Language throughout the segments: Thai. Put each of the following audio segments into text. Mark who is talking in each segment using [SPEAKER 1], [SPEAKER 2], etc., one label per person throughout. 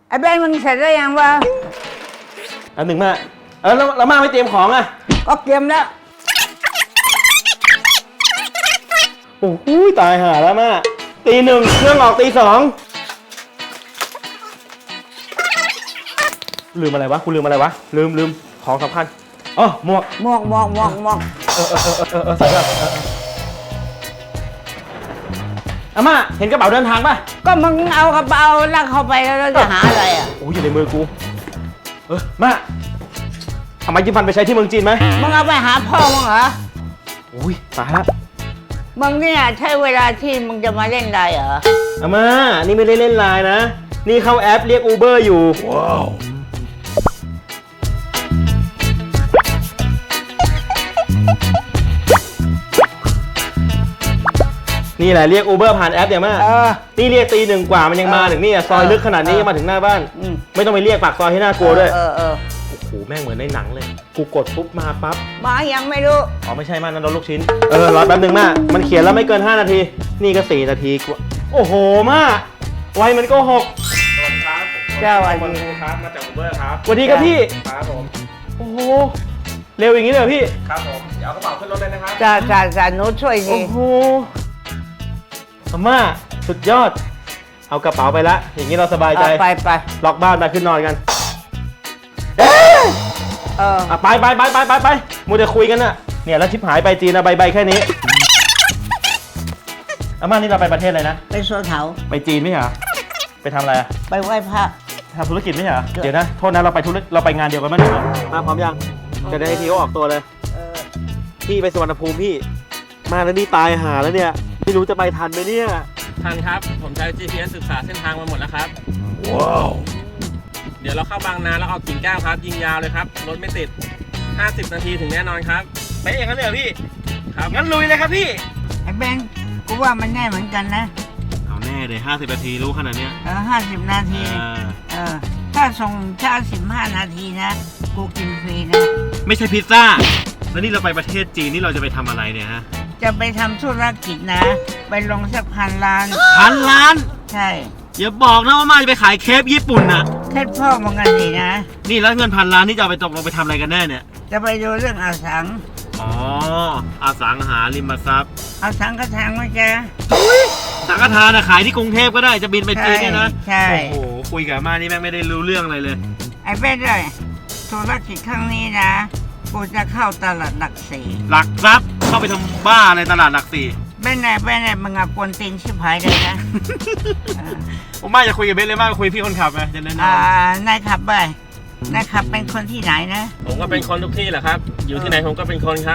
[SPEAKER 1] ไอ้แบงค์มึงเสร็จแล้วยังวะ
[SPEAKER 2] อันหนึ่งมาแล้วมาไม่เตรียมของอ่ะ
[SPEAKER 1] ก็เตรียมแล้ว
[SPEAKER 2] โอ้โหตายห่าแล้วมาตีหนึ่งเครื่องออกตีสองลืมอะไรวะคุณลืมอะไรวะลืมของสำคัญอ๋อหมวกใส่ก่อนอาม่าเห็นกระเป๋าเดินทางป่ะ
[SPEAKER 1] ก็มึงเอากระเป๋าแล้วเข้าไปแล้วจะหาอะไรอ่ะ
[SPEAKER 2] โอ้ยอยู่ในมือกูมาเอาไม้จิ้มฟันไปใช้ที่เมืองจีนไหม
[SPEAKER 1] มึงเอาไปหาพ่อมึงเหรอ
[SPEAKER 2] อุ้ยตายแล้ว
[SPEAKER 1] มึงเนี่ยใช่เวลาที่มึงจะมาเล่นได้เหรอ
[SPEAKER 2] อาม่านี่ไม่ได้เล่นไลน์นะนี่เข้าแอปเรียกอูเบอร์อยู่ว้าวนี่แหละเรียกอูเบอร์ผ่านแอปเนี่ยมานี่เรียกตีหนึ่งกว่ามันยังมาถึงนี่ซอยลึกขนาดนี้ยังมาถึงหน้าบ้านไม่ต้องไปเรียกปากซอยให้น่ากลัวด้วยโอ้โหแม่งเหมือนในหนังเลยกูกดปุ๊บมาปั๊บ
[SPEAKER 1] มายังไม่รู้
[SPEAKER 2] อ๋อไม่ใช่มานั่นรถลูกชิ้นรอแป๊บนึงมามันเขียนแล้วไม่เกิน5 นาทีนี่ก็4 นาทีกว่าโอ้โหมาไวมันก็6
[SPEAKER 3] สวัสดีครับ
[SPEAKER 1] เจ้าวัน
[SPEAKER 3] ผม
[SPEAKER 1] นี้
[SPEAKER 3] ครับมาจากอูเบอร์ครับ
[SPEAKER 2] สวัสดีครับพี่
[SPEAKER 3] ครับผม
[SPEAKER 2] โอ้โหเร็วอย่างนี้เลยเหรอพี่
[SPEAKER 3] ครับผมเดี๋ยวเอากระเป๋าขึ้นรถเลยนะครับ
[SPEAKER 1] จ่าหนูช่วยสิ
[SPEAKER 2] โอ้โหอาม่าสุดยอดเอากระเป๋าไปละอย่างนี้เราสบายใจ
[SPEAKER 1] ไป
[SPEAKER 2] ล็อกบ้านไปขึ้นนอนกัน ไปมัวแต่คุยกันน่ะเนี่ยแล้วชิบหายไปจีนนะใบแค่นี้อาม่านี่เราไปประเทศอะไรนะ
[SPEAKER 1] ไปสวนเขา
[SPEAKER 2] ไปจีนไม่ใช่เหรอไปทำอะไรอะ
[SPEAKER 1] ไปไหว้พระ
[SPEAKER 2] ทำธุรกิจไม่ใช่เหรอเดี๋ยวนะโทษนะเราไปงานเดียวกันมั้ยมาพร้อมยังจะได้ให้ทีโอออกตัวเลยพี่ไปสุวรรณภูมิพี่มาแล้วนี่ตายหาแล้วเนี่ยไม่รู้จะไปทันไหมเนี่ย
[SPEAKER 3] ทันครับ ผมใช้ GPS ศึกษาเส้นทางมาหมดแล้วครับ ว้าว เดี๋ยวเราเข้าบางนาแล้วออกกิ่งแก้วครับ ยิงยาวเลยครับ รถไม่ติด 50 นาทีถึงแน่นอนครับ
[SPEAKER 2] ไปเองกันเลยเหรอพี่
[SPEAKER 3] ครับ
[SPEAKER 2] งั้นลุยเลยครับพี่
[SPEAKER 1] ไอ้แบงค์กูว่ามันแน่เหมือนกันนะ
[SPEAKER 2] เอาแน่เลย50 นาทีรู้ขนาดเนี้ย
[SPEAKER 1] 50 นาที ถ้าส่งช้า15 นาทีนะ กูกินฟรีนะ
[SPEAKER 2] ไม่ใช่พิซซ่าแล้วนี่เราไปประเทศจีนนี่เราจะไปทำอะไรเนี่ยฮะ
[SPEAKER 1] จะไปทำธุรกิจนะ ไปลงสัก1,000 ล้าน
[SPEAKER 2] 1,000 ล้าน
[SPEAKER 1] ใช่
[SPEAKER 2] อย่าบอกนะว่ามาจะไปขายเคปญี่ปุ่นน่ะ
[SPEAKER 1] แค่พ่อมึงกันสินะ
[SPEAKER 2] นี่แล้วเงิน1,000 ล้านนี่จะเอาไปตกลงไปทำอะไรกันแน่เนี่ย
[SPEAKER 1] จะไปดูเรื่องอสัง
[SPEAKER 2] อ๋ออสังหาริมทรัพย์
[SPEAKER 1] อสังก็ทางไหมแก
[SPEAKER 2] สังฆทานขายที่กรุงเทพก็ได้จะบินไปจีนเนี่ยนะ
[SPEAKER 1] ใช่
[SPEAKER 2] โอ้โหคุยกับอาม่านี่แม่งไม่ได้รู้เรื่องอะไรเลย
[SPEAKER 1] ไอ้เบ้ด้วยธุรกิจครั้งนี้นะ กูจะเข้าตลาดหลักสี่
[SPEAKER 2] หลักทรัพย์เข้าไปทำบ้าอะไรตลาดหลักสี่
[SPEAKER 1] เบ้ไหนมึงอะกวนตีนชิบหายเลยนะ
[SPEAKER 2] ผมมาจะคุยกับเบสเลยมากคุยพี่คนขับไหมจะแนะน
[SPEAKER 1] นายขับไปนายขับเป็นคนที่ไหนนะ
[SPEAKER 3] ผมก็เป็นคนทุกที่แหละครับ อยู่ที่ไหนผมก็เป็นคนครับ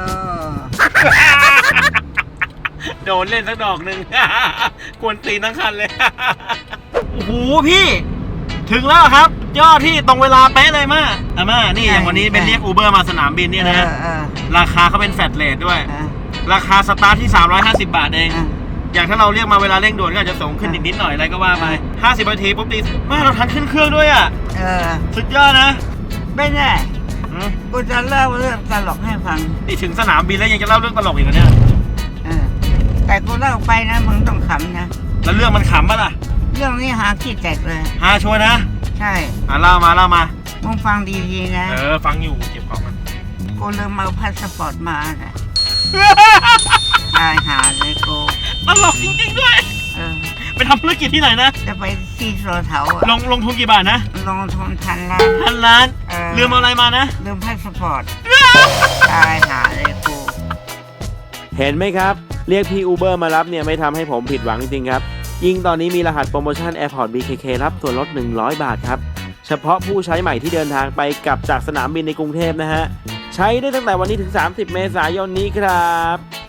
[SPEAKER 2] ำโดนเล่นสักดอกหนึ่ง กวนตีนทั้งคันเลย โอ้โหพี่ ถึงแล้วครับยอดที่ตรงเวลาเป๊ะเลยมาอาม่านี่อย่างวันนี้เป็นเรียกอูเบอร์มาสนามบินเนี่ยนะราคาเขาเป็นแฟลตเรทด้วย ราคาสตาร์ทที่350 บาทเอง อย่างถ้าเราเรียกมาเวลาเร่งด่วนก็อาจจะสูงขึ้นนิดหน่อยอะไรก็ว่าไป50 นาทีปุ๊บตีมาเราทันขึ้นเครื่องด้วยอ่ะสุดยอดนะ
[SPEAKER 1] ไม่แน่กูจะเล่าเรื่องตลกให้ฟัง
[SPEAKER 2] นี่ถึงสนามบินแล้วยังจะเล่าเรื่องตลกอีกเหรอเนี่ย
[SPEAKER 1] แต่กูเล่าไปนะมึงต้องขำนะ
[SPEAKER 2] แล้วเรื่องมันขำปะล่ะ
[SPEAKER 1] เรื่องนี้หาขี้แตกเลย
[SPEAKER 2] ฮาชัวร์นะ
[SPEAKER 1] ใช่
[SPEAKER 2] เล่ามา
[SPEAKER 1] มึงฟังดีๆนะ
[SPEAKER 2] ฟังอยู่เก็บของมัน
[SPEAKER 1] กูลืมเอาพาสปอร์ตมาน่ะตายหาเลยกู
[SPEAKER 2] ตลกจริงๆด้วย ไปทำธุรกิจที่ไหนนะ
[SPEAKER 1] จะไปที่โซเถา
[SPEAKER 2] ลงทุนกี่บาทนะ
[SPEAKER 1] ลงทุน1,000 ล้าน
[SPEAKER 2] 1,000 ล้านลืมเอาอะไรมานะ
[SPEAKER 1] ลืมพาสปอร์ตตายหาเลยกู
[SPEAKER 4] เห็นไหมครับ เรียกพี่อูเบอร์มารับเนี่ยไม่ทำให้ผมผิดหวังจริงๆครับ ยิ่งตอนนี้มีรหัสโปรโมชั่น Airport BKK รับส่วนลด100 บาทครับ เฉพาะผู้ใช้ใหม่ที่เดินทางไปกลับจากสนามบินในกรุงเทพนะฮะ ใช้ได้ตั้งแต่วันนี้ถึง30 เมษายนนี้ครับ